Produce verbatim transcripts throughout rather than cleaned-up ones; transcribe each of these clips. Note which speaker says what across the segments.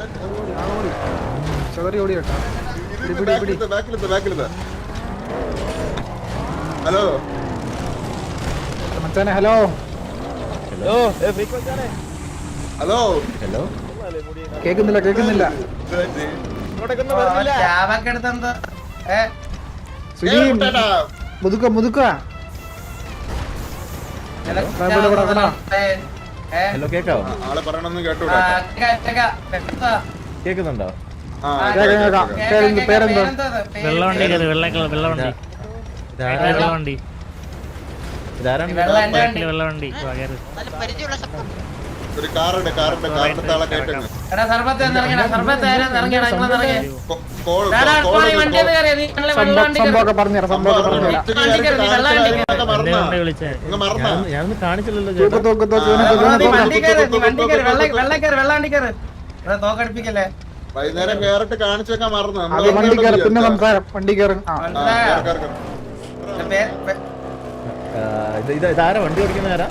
Speaker 1: Hello
Speaker 2: മച്ചാനെ hello
Speaker 3: hello
Speaker 1: hello
Speaker 3: hello
Speaker 2: കേക്കുന്നില്ല കേക്കുന്നില്ല സുനി മുതുക്ക മുതുക്ക
Speaker 3: ഹലോ കേക്കാവോ?
Speaker 1: ആളെ പറയണമെന്ന് കേട്ടൂടാ.
Speaker 3: കേക്കുന്നുണ്ടോ?
Speaker 2: പേരെന്താ?
Speaker 4: വെള്ളവണ്ടി വെള്ളവണ്ടി വെള്ളവണ്ടി വെള്ളവണ്ടി വെള്ളവണ്ടി
Speaker 1: ഒരു കാറുണ്ട് കാറുണ്ട് കാറിന്റെ താളെ കേട്ടേന്ന്
Speaker 2: സംഭവമൊക്കെ പറഞ്ഞുതരാം സംഭവമൊക്കെ പറഞ്ഞുതരാം.
Speaker 3: ഞാനൊന്നും കാണിച്ചില്ലല്ലോ.
Speaker 1: വൈകുന്നേരം കേറിട്ട് കാണിച്ചു വെക്കാൻ മറന്നു.
Speaker 2: അത് വണ്ടി കയറി പിന്നെ സംസാരം വണ്ടി കയറും.
Speaker 3: ഇത് ഇതാരാ വണ്ടി ഓടിക്കുന്ന ആരാ?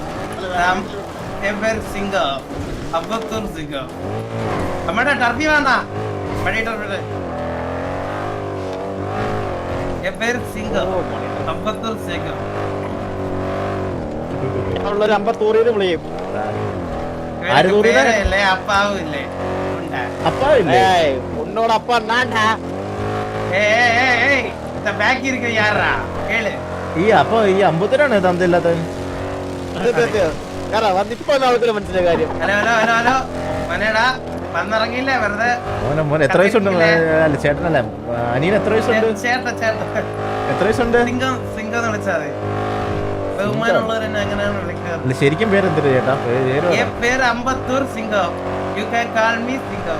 Speaker 5: നമ്മുടെ ടർബി വേണ്ടാ പഴയ ടർബി അമ്പത്തൂർ സിംഗം
Speaker 3: ഒരു അമ്പത്തൂറിന് വിളിയും.
Speaker 5: പേരല്ലേ അപ്പാവില്ലേ
Speaker 3: അപ്പാവില്ലേ
Speaker 5: ഉന്നോട് அப்பா நான்டா ஏய் ஏய் ஏய் இந்த பேக் இருக்கு யாரா கேளு
Speaker 3: ഈ അപ്പൊ ഈ അമ്പത്തൂരാണ് തന്നില്ലാത്ത മനസ്സിലായ കാര്യം.
Speaker 5: ഹലോ ഹലോ ഹലോ ഹലോ മനേടാ വന്നിറങ്ങിയില്ലേ വെറുതെ
Speaker 3: മോനെ മോനെ എത്ര വയസ്സുണ്ട്? അല്ല ചേട്ടനല്ല അനിയൻ എത്ര വയസ്സുണ്ട്?
Speaker 5: ചേട്ട ചേട്ട
Speaker 3: എത്ര വയസ്സുണ്ട്?
Speaker 5: സിംഗം സിംഗം എന്ന് വിളിച്ചാൽ മതി. ബഹുമാനമുള്ളവരെന്നെ അങ്ങനെയാണ് വിളിക്കാറ്.
Speaker 3: ശരിക്കും പേരെന്തിട്ട് ചേട്ടാ?
Speaker 5: പേര് Ambattur Singam. You can call me Singam.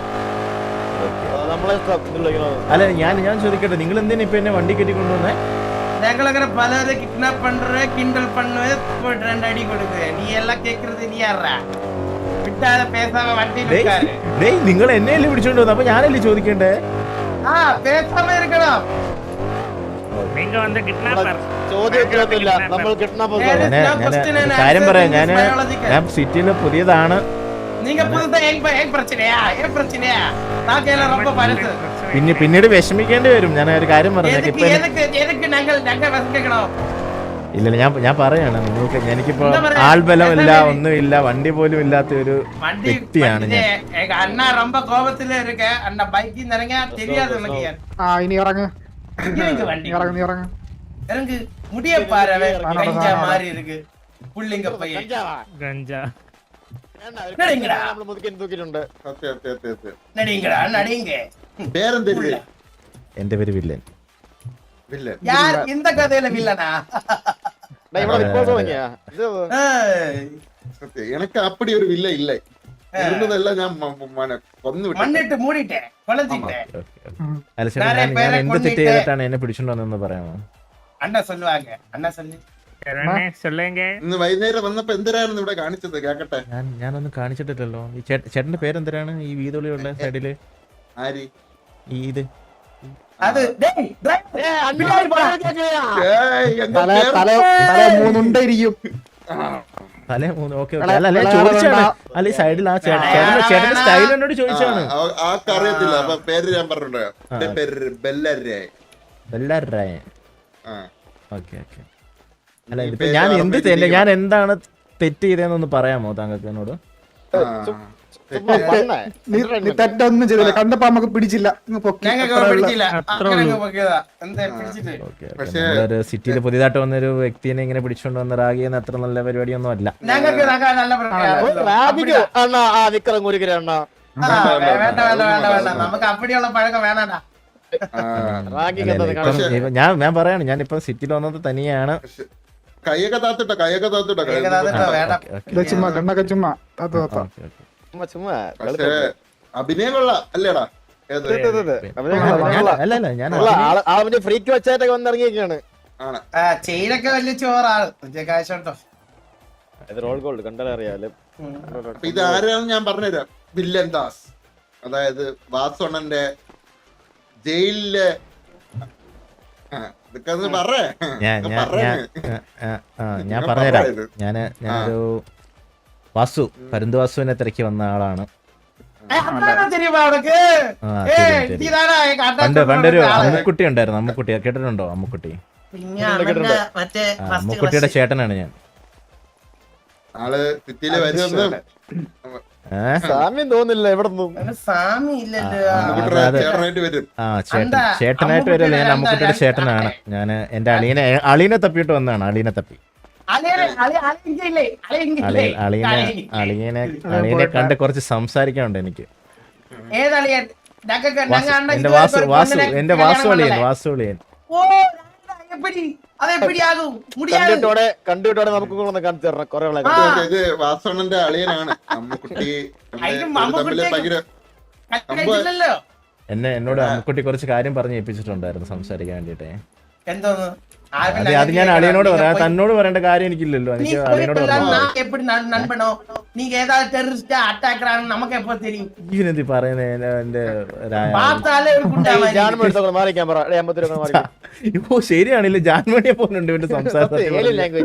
Speaker 3: അല്ല ഞാൻ ഞാൻ ചോദിക്കട്ടെ, നിങ്ങൾ എന്തിനാ ഇപ്പൊ എന്നെ വണ്ടി കെട്ടി കൊണ്ടുവന്നേ?
Speaker 5: ഞങ്ങളങ്ങനെ പലരെ കിഡ്നാപ്പ് പண்றே കിண்டൽ பண்ணுவே போட்டு ரெண்டு அடி கொடுக்குறே. நீ எல்லாம் கேக்குறது நீ யாரா? വിട്ടാല പേസാമ വണ്ടി നിൽക്കാരെ.
Speaker 3: ഡേയ് നിങ്ങൾ എന്നെയല്ലേ പിടിച്ചോണ്ട് വന്നത്, അപ്പൊ ഞാനല്ലേ ചോദിക്കണ്ടേ?
Speaker 5: ആ പേസാമ ഇരിക്കണം.
Speaker 4: നിങ്ങൾ വന്ന കിഡ്നാപ്പർ
Speaker 3: ചോദ്യത്തിലൊന്നുമില്ല, നമ്മൾ കിഡ്നാപ്പർ. കാര്യം പറയാം, ഞാൻ ഞാൻ സിറ്റിയില് പുതിയതാണ്.
Speaker 5: நீங்க புதுசா ஏங்க ஏங்க பிரச்சனையா ஏ பிரச்சனையா நாக்கேல ரொம்ப பரத்து
Speaker 3: പിന്നെ പിന്നീട് വിഷമിക്കേണ്ടി വരും. ഞാൻ ഒരു കാര്യം പറഞ്ഞു.
Speaker 5: എനക്ക് എനക്ക് ഞങ്ങൾ ഞങ്ങൾ വിഷമിക്കണോ?
Speaker 3: ഇല്ല ഞാൻ ഞാൻ പറയാണ് നിങ്ങൾക്ക്, എനിക്കിപ്പോ ആൾബലമില്ല, ഒന്നുമില്ല, വണ്ടി പോലും ഇല്ലാത്ത ഒരു വ്യക്തിയാണ് ഞാൻ.
Speaker 5: അണ്ണാ ரொம்ப கோபத்துல இருக்க. அண்ணா பைக்கில் இறங்க தெரியாது எனக்கு.
Speaker 2: ആ ഇനി ഇറങ്ങ്
Speaker 5: வண்டி
Speaker 2: ഇറങ്ങ് നീ ഇറങ്ങ്
Speaker 5: இறங்கு முடிய பாரு. கஞ்சா மாதிரி இருக்கு புள்ளிங்க பையன்
Speaker 4: ഗഞ്ച
Speaker 5: நடிங்கடா
Speaker 3: നമ്മൾ മുതുക്കൻ തൂക്കിട്ടുണ്ട്.
Speaker 5: நடிங்கடா நடிங்க.
Speaker 1: പേരെന്തില്ല?
Speaker 3: എന്റെ പേര് വില്ലൻ.
Speaker 1: വില്ലൻ
Speaker 5: யார் இந்த கதையில வில்லனா?
Speaker 1: எனக்கு அப்படி ஒரு வில்ல இல்லை. இருந்ததெல்லாம் ഞാൻ കൊന്നു വിട്ടു.
Speaker 5: മണ്ണിട്ട് മൂടിട്ടെ കൊളത്തിട്ടെ.
Speaker 3: അല്ല ചേട്ടാ, ഞാൻ ഞാൻ എന്ത് തെറ്റ് ചെയ്തിട്ടാണ് എന്നെ പിടിച്ചോണ്ടെന്ന് പറയാമോ?
Speaker 5: അണ്ണ சொல்லுவாங்க അണ്ണ சொல்லு.
Speaker 1: ഇന്ന് വൈകുന്നേരം വന്നപ്പോ എന്തിനായിരുന്നു ഇവിടെ കാണിച്ചത് കേക്കട്ടെ?
Speaker 3: ഞാൻ ഞാനൊന്നും കാണിച്ചിട്ടില്ലല്ലോ. ഈ ചേട്ടന്റെ പേരെന്തരാണ്? ഈ വീതൊളിയുള്ള സൈഡില്
Speaker 1: ആരി
Speaker 3: ഈ ഇത്
Speaker 5: അത്
Speaker 2: മൂന്നുണ്ടായിരിക്കും.
Speaker 3: തലേ മൂന്ന്. Okay okay. അല്ല അല്ല ചോദിച്ചാണ്. അല്ല ഈ സൈഡിൽ ആ ചേട്ടന്റെ ചേട്ടന്റെ സ്റ്റൈൽ എന്നോട് ചോദിച്ചാണ്.
Speaker 1: ആർക്കറിയത്തില്ല. അപ്പൊ പേര് ഞാൻ പറഞ്ഞിട്ടുണ്ടോ? എന്റെ പേര് ബെല്ലരായ.
Speaker 3: ബെല്ലരായ. Okay okay. അല്ല ഇതിപ്പോ ഞാൻ എന്ത് തെറ്റ്, ഞാൻ എന്താണ് തെറ്റ് ചെയ്തതെന്നൊന്ന് പറയാമോ താങ്കൾക്ക് എന്നോട്?
Speaker 2: തെറ്റൊന്നും ചെയ്തില്ല, കണ്ടപ്പോ നമുക്ക് പിടിച്ചില്ല.
Speaker 3: ഒരു സിറ്റിയിൽ പുതിയതായിട്ട് വന്നൊരു വ്യക്തിനെ ഇങ്ങനെ പിടിച്ചോണ്ട് വന്ന റാഗിയെന്ന് അത്ര നല്ല പരിപാടിയൊന്നും അല്ല. ഞാൻ ഞാൻ പറയാണ്, ഞാൻ ഇപ്പൊ സിറ്റിയിൽ വന്നത് തനിയാണ്.
Speaker 1: കൈയൊക്കെ താത്തിട്ടോ കൈയൊക്കെ താത്തിട്ടോ
Speaker 2: ചുമ്മാ കണ്ണൊക്കെ ചുമ്മാ
Speaker 1: അഭിനയം കൊള്ളാം അല്ലേടാ?
Speaker 3: അല്ല അല്ല ഞാൻ
Speaker 6: ഫ്രീക്ക് വെച്ചായിട്ടൊക്കെ വന്നിറങ്ങിയൊക്കെയാണ്.
Speaker 5: ചെയിലൊക്കെ വലിയ ചോറാണ് കാശോട്ടോ.
Speaker 6: Role gold കണ്ടാലറിയാലോ.
Speaker 1: ഇത് ആരാണെന്ന് ഞാൻ പറഞ്ഞുതരാം. വില്ലൻ ദാസ്, അതായത് വാസോണന്റെ ജയിലിലെ
Speaker 3: ഞാൻ പറഞ്ഞുതരാം. ഞാന് ഞാനൊരു വാസു പരുന്ത് വാസുവിനെ തിരക്കി വന്ന ആളാണ്.
Speaker 5: അതാണോ தெரியுமா உனக்கு
Speaker 3: ആ,
Speaker 5: ഏയ്
Speaker 3: ശരി, ശരി.
Speaker 5: നീതാനാ ഈ
Speaker 3: പണ്ട്
Speaker 5: കാട്ടാ
Speaker 3: പണ്ടൊരു അമ്മുക്കുട്ടി ഉണ്ടായിരുന്നു അമ്മുക്കുട്ടി കേട്ടിട്ടുണ്ടോ അമ്മുക്കുട്ടി
Speaker 5: പിന്നെ അവന്റെ മറ്റേ
Speaker 3: ആ,
Speaker 5: ഫസ്റ്റ്
Speaker 3: അമ്മുക്കുട്ടിയുടെ ചേട്ടനാണ് ഞാൻ
Speaker 1: ആള് സിറ്റിയില് വരുമെന്ന്
Speaker 3: ഏഹ്
Speaker 6: സാമ്യം തോന്നില്ല എവിടെ നിന്നും
Speaker 5: സാമി ഇല്ലല്ലോ
Speaker 1: അമ്മുക്കുട്ടിയുടെ
Speaker 3: അതെ.
Speaker 1: ചേട്ടനായിട്ട് വരും
Speaker 3: ആ ചേട്ടൻ
Speaker 5: എന്താ?
Speaker 3: ചേട്ടനായിട്ട് വരല്ലേ ഞാൻ
Speaker 5: അമ്മുക്കുട്ടിയുടെ
Speaker 3: അമ്മുക്കുട്ടിയുടെ ചേട്ടനാണ് ഞാൻ എന്റെ അളിയനെ അളിയനെ തപ്പിയിട്ട് വന്നതാണ് അളിയനെ തപ്പി
Speaker 5: അളിയനെ അളി അളിയില്ലേ അളിയില്ലേ
Speaker 3: അളിയനെ അളിയനെ അളിയനെ കണ്ട് കുറച്ച് സംസാരിക്കാനുണ്ട് എനിക്ക്
Speaker 5: ഏതളിയൻ ഞങ്ങൾക്ക്
Speaker 3: വാസു-
Speaker 5: ഞങ്ങൾ അണ്ണ
Speaker 3: എന്റെ
Speaker 5: ഇതുവരെ
Speaker 3: വാസു
Speaker 5: ഒരു
Speaker 3: വാസു
Speaker 5: പെണ്ണിനെ
Speaker 3: എന്റെ
Speaker 5: കല്യാണം
Speaker 3: വാസു അളിയൻ
Speaker 5: பண்ணல.
Speaker 3: വാസു അളിയൻ
Speaker 5: ഓ എപ്പടി അത് എപ്പടി ആകും മുടിയാകും
Speaker 6: കണ്ടിട്ടോടെ കണ്ടിട്ടോടെ നമുക്ക് കൂടെ ഒന്ന് കാണിച്ചു തരണം കുറെ ആളെ
Speaker 5: ആ.
Speaker 1: ഇത് വാസവണ്ണന്റെ അളിയനാണ് അമ്മുക്കുട്ടി
Speaker 5: അതിന്
Speaker 1: തമ്മില്
Speaker 5: അമ്മുക്കുട്ടിയെ-
Speaker 1: ഭയങ്കര
Speaker 5: കഴിച്ചില്ലല്ലോ
Speaker 3: എന്നെ എന്നോട് അമ്മുക്കുട്ടി കുറച്ച് കാര്യം പറഞ്ഞ് ഏൽപ്പിച്ചിട്ടുണ്ടായിരുന്നു സംസാരിക്കാൻ വേണ്ടിട്ടേ
Speaker 5: എന്തോന്ന്
Speaker 3: അത് അത് ഞാൻ അളിയനോട് പറയാം തന്നോട് പറയേണ്ട കാര്യം എനിക്കില്ലല്ലോ എനിക്ക് അളിയനോട് പറഞ്ഞു
Speaker 5: நான் எப்படி நண்- நண்பனோ நீங்க ஏதாவது டெரரிஸ்டா அட்டாக் நமக்கு எப்ப தெரியும்
Speaker 3: ഇവനെന്തി പറയുന്നത് എന്റെ രാ-
Speaker 5: பார்த்தாலே ஒரு குண்டா மாதிரி
Speaker 6: ജാൻമ എടുത്തോളെ മാറിക്കാൻ പറ അമ്പത്തി മാറി
Speaker 3: ഓ ശരിയാണില്ല ജാൻമണിയെ പോലുണ്ട് ഇവന്റെ സംസാരത്തിൽ
Speaker 6: ലാംഗ്വേജ്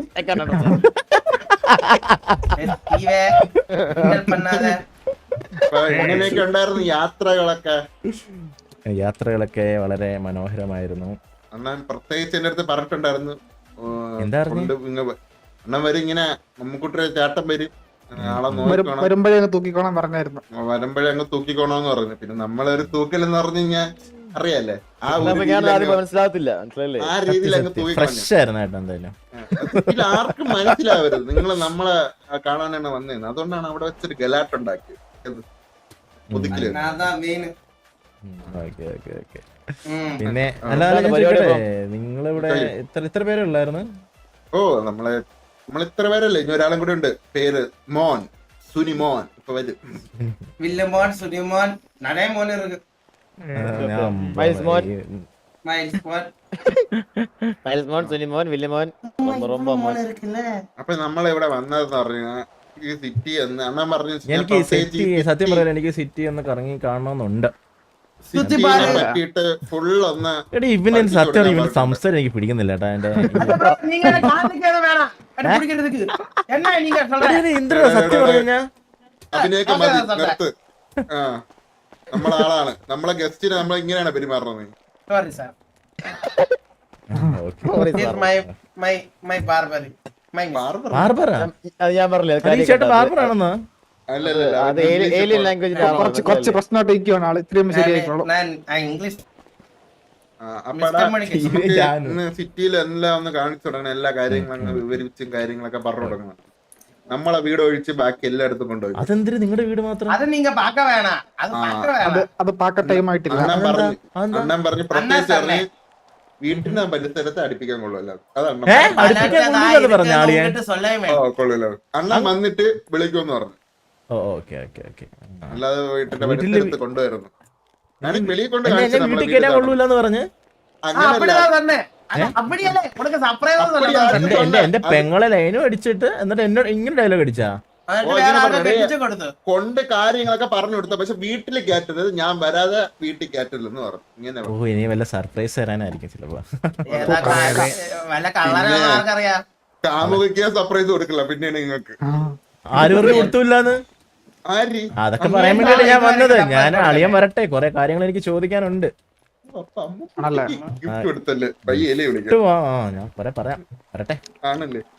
Speaker 5: இவே கிண்டல் பண்ணாத
Speaker 1: അപ്പൊ എങ്ങനെയൊക്കെ ഉണ്ടായിരുന്നു യാത്രകളൊക്കെ?
Speaker 3: യാത്രകളൊക്കെ വളരെ മനോഹരമായിരുന്നു.
Speaker 1: അണ്ണൻ പ്രത്യേകിച്ച് എന്റെ അടുത്ത് പറഞ്ഞിട്ടുണ്ടായിരുന്നു
Speaker 3: എന്താ പറഞ്ഞേ?
Speaker 1: കൊണ്ട് ഇങ്ങ വ- അണ്ണൻ വരും ഇങ്ങനെ മമ്മൂക്കുട്ടിയുടെ ചേട്ടൻ വരും ആളെ നോക്കണം
Speaker 2: വരുമ്പോഴേ തൂക്കിക്കോളാൻ പറഞ്ഞായിരുന്നു.
Speaker 1: വരുമ്പോഴേ അങ്ങ് തൂക്കിക്കോണോന്ന് പറഞ്ഞു. പിന്നെ നമ്മളൊരു തൂക്കലെന്ന് പറഞ്ഞു കഴിഞ്ഞാൽ അറിയാലേ ആ ഒരു
Speaker 6: ഞാൻ
Speaker 1: രീതിയിൽ
Speaker 6: ആദ്യം
Speaker 1: അങ്ങ്
Speaker 6: മനസ്സിലാകത്തില്ല മനസ്സിലല്ലേ
Speaker 1: ആ രീതിയിൽ അങ്ങ് തൂക്കിക്കളഞ്ഞു.
Speaker 3: ഫ്രഷ് ആയിരുന്നു കേട്ടോ എന്തായാലും.
Speaker 1: ഇതിൽ ആർക്കും മനസ്സിലാവരുത് നിങ്ങൾ നമ്മളെ കാണാനാണ് വന്നേന്ന്. അതുകൊണ്ടാണ് അവിടെ വെച്ചൊരു ഗലാട്ടുണ്ടാക്കിയത് മുതുക്കില്.
Speaker 5: நான் மெயின்
Speaker 3: ഓക്കെ ഓക്കെ ഓക്കെ പിന്നെ അല്ല അല്ല ഞാൻ ചോദിക്കട്ടെ, നിങ്ങളിവിടെ ഇത്ര ഇത്ര പേരുള്ളായിരുന്നു?
Speaker 1: ഓ നമ്മളെ നമ്മൾ ഇത്ര പേരല്ലേ, ഇനി ഒരാളും കൂടെ ഉണ്ട്, പേര് മോൻ, സുനി മോൻ. ഇപ്പൊ വരും
Speaker 5: வில்லமோன் சுனிமோன் நிறைய மோன் இருக்கு.
Speaker 6: മൈൽസ് മോൻ
Speaker 5: மைல்ஸ் மோன்
Speaker 6: മൈൽസ് മോൻ സുനിമോൻ വില്യമോൻ റൊമ്പ മോൻ
Speaker 5: மோன் இருக்குல்ல.
Speaker 1: അപ്പൊ നമ്മളിവിടെ വന്നതെന്ന് പറഞ്ഞാൽ ഈ സിറ്റി എന്ന് അണ്ണൻ പറഞ്ഞു.
Speaker 3: എനിക്ക് സിറ്റി സത്യം പറയാൻ എനിക്ക് സിറ്റി ഒന്ന് കറങ്ങി കാണണമെന്നുണ്ട്.
Speaker 1: സിറ്റിനെ പറ്റിയിട്ട് ഫുൾ ഒന്ന്
Speaker 3: എടി ഇവന് സത്യം ഇവന് സംസാരം എനിക്ക് പിടിക്കുന്നില്ല കേട്ടാ. എന്റെ
Speaker 5: அப்புறம் நீங்க என்ன காதுக்கேத வேணாம் அது பிடிக்கிறதுக்கு என்ன நீங்க சொல்றீங்க?
Speaker 3: ഇന്ദ്ര സത്യം പറഞ്ഞാ
Speaker 1: അതിനെയൊക്കെ
Speaker 5: ഓക്കേ,
Speaker 1: മതി,
Speaker 5: ഓക്കേ.
Speaker 1: നിർത്ത്. ആ നമ്മളെ ആളാണ്, നമ്മളെ ഗസ്റ്റിനെ നമ്മൾ ഇങ്ങനെയാണ് പെരുമാറുന്നത്.
Speaker 5: Sorry sir.
Speaker 3: Okay
Speaker 5: This my my my barber. My
Speaker 1: barber
Speaker 3: ബാർബറാ?
Speaker 6: അത് ഞാൻ പറഞ്ഞില്ല
Speaker 3: അത് ഈ ചേട്ടൻ ബാർബർ ആണെന്നോ?
Speaker 1: അല്ലല്ല
Speaker 6: അത് ഏലിയൻ ലാംഗ്വേജിൽ
Speaker 2: കുറച്ച് കുറച്ച് പ്രശ്നമായിട്ട് ഇരിക്കുവാണ് ആള്. ഇത്രയും ശരിയായിക്കോളൂ.
Speaker 5: நான் இங்கிலீஷ்
Speaker 1: അപ്പടാ
Speaker 5: മിസ്റ്റർ മണിക്ക്
Speaker 1: ഇന്ന് സിറ്റിയിൽ എല്ലാം ഒന്ന് കാണിച്ചു തുടങ്ങണം, എല്ലാ കാര്യങ്ങളും അങ്ങ് വിവരിച്ചും കാര്യങ്ങളൊക്കെ പറഞ്ഞു തുടങ്ങണം. നമ്മളെ വീട് ഒഴിച്ച് ബാക്കി എല്ലായിടത്തും കൊണ്ടുപോയി.
Speaker 3: അതെന്തിന് നിങ്ങളുടെ വീട് മാത്രം?
Speaker 5: அது நீங்க பார்க்க வேணாம். அது பார்க்க
Speaker 2: അത്
Speaker 5: வேணாம்.
Speaker 2: അത് പാക്ക ടൈം ആയിട്ടില്ല.
Speaker 1: അണ്ണൻ പറഞ്ഞു
Speaker 3: അതെന്താ?
Speaker 1: അണ്ണൻ പറഞ്ഞു പ്രത്യേകിച്ച്
Speaker 5: അണ്ണൻ
Speaker 1: പറഞ്ഞ് വീട്ടിന് പരിസരത്ത് അടുപ്പിക്കാൻ കൊള്ളുമല്ലോ. അത്
Speaker 3: ഏ?
Speaker 1: അണ്ണൻ
Speaker 3: അടുപ്പിക്കാൻ കൊണ്ടുവന്നത് പറഞ്ഞ ആളിയെ?
Speaker 5: உங்ககிட்ட சொல்லவே
Speaker 1: ഓ
Speaker 5: வேண்டாம்.
Speaker 1: കൊള്ളൂല്ലോ. അണ്ണൻ വന്നിട്ട് വിളിക്കുമെന്ന് പറഞ്ഞു,
Speaker 3: ഓ ഓക്കെ ഓക്കെ ഓക്കെ.
Speaker 1: അല്ലാതെ വീട്ടിന്റെ
Speaker 3: വീട്ടില്
Speaker 1: പരിസരത്ത് കൊണ്ടുവരുന്നു. ഞാൻ വെളിയിൽ കൊണ്ട്
Speaker 3: എന്നെ
Speaker 1: കാണിച്ചു
Speaker 3: എന്നെ
Speaker 1: നമ്മളെ
Speaker 3: വീട്ടിൽ കയറ്റാൻ
Speaker 1: വീട്
Speaker 3: കൊള്ളൂലെന്ന് പറഞ്ഞ്
Speaker 5: ஆ,
Speaker 1: അങ്ങനല്ല.
Speaker 5: அப்படிதான் சொன்னேன். அது அப்படியல்ல. உனக்கு surprise ஆ
Speaker 1: அப்படியா?
Speaker 5: சொல்லலாம்.
Speaker 3: എന്റെ എന്റെ എന്റെ പെങ്ങളെ ലൈനും അടിച്ചിട്ട് എന്നിട്ട് എന്നോട് ഇങ്ങനെ ഡയലോഗ് അടിച്ചാ?
Speaker 5: എന്നിട്ട്
Speaker 1: ഓ,
Speaker 5: വേറെ
Speaker 1: ഇങ്ങനെ
Speaker 5: ആർക്കോ
Speaker 1: പറഞ്ഞേ.
Speaker 5: കെട്ടിച്ച് കൊടുത്തു.
Speaker 1: കൊണ്ട് കാര്യങ്ങളൊക്കെ പറഞ്ഞു കൊടുത്ത, പക്ഷെ വീട്ടിൽ കയറ്റരുത്, ഞാൻ വരാതെ വീട്ടിൽ കയറ്റില്ലെന്ന് പറഞ്ഞു. ഇങ്ങനെ
Speaker 3: ഓ ഇനി വല്ല സർപ്രൈസ് തരാനായിരിക്കും ചിലപ്പോ.
Speaker 5: ഏതാ കാ- വല്ല കള്ളനാണെന്ന് ആർക്കറിയാം.
Speaker 1: കാമുകിക്ക് സർപ്രൈസ് കൊടുക്കില്ല, പിന്നെയാണ് നിങ്ങൾക്ക്
Speaker 2: ആ.
Speaker 3: ആര് പറഞ്ഞു കൊടുത്തില്ലാന്ന്?
Speaker 1: ആരി
Speaker 3: അതൊക്കെ പറയാൻ വേണ്ടിയാണ് ഞാൻ വന്നത്. ഞാൻ അളിയൻ വരട്ടെ, കൊറേ കാര്യങ്ങൾ എനിക്ക് ചോദിക്കാനുണ്ട്.
Speaker 2: ആണല്ലേ?
Speaker 1: ഗിഫ്റ്റ് കൊടുത്തല്ലേ പയ്യല്ലേ വിളിക്കാം
Speaker 3: ഇട്ട് വാ, ആ, ഞാൻ പറയാം പറയാം വരട്ടെ.
Speaker 1: ആണല്ലേ?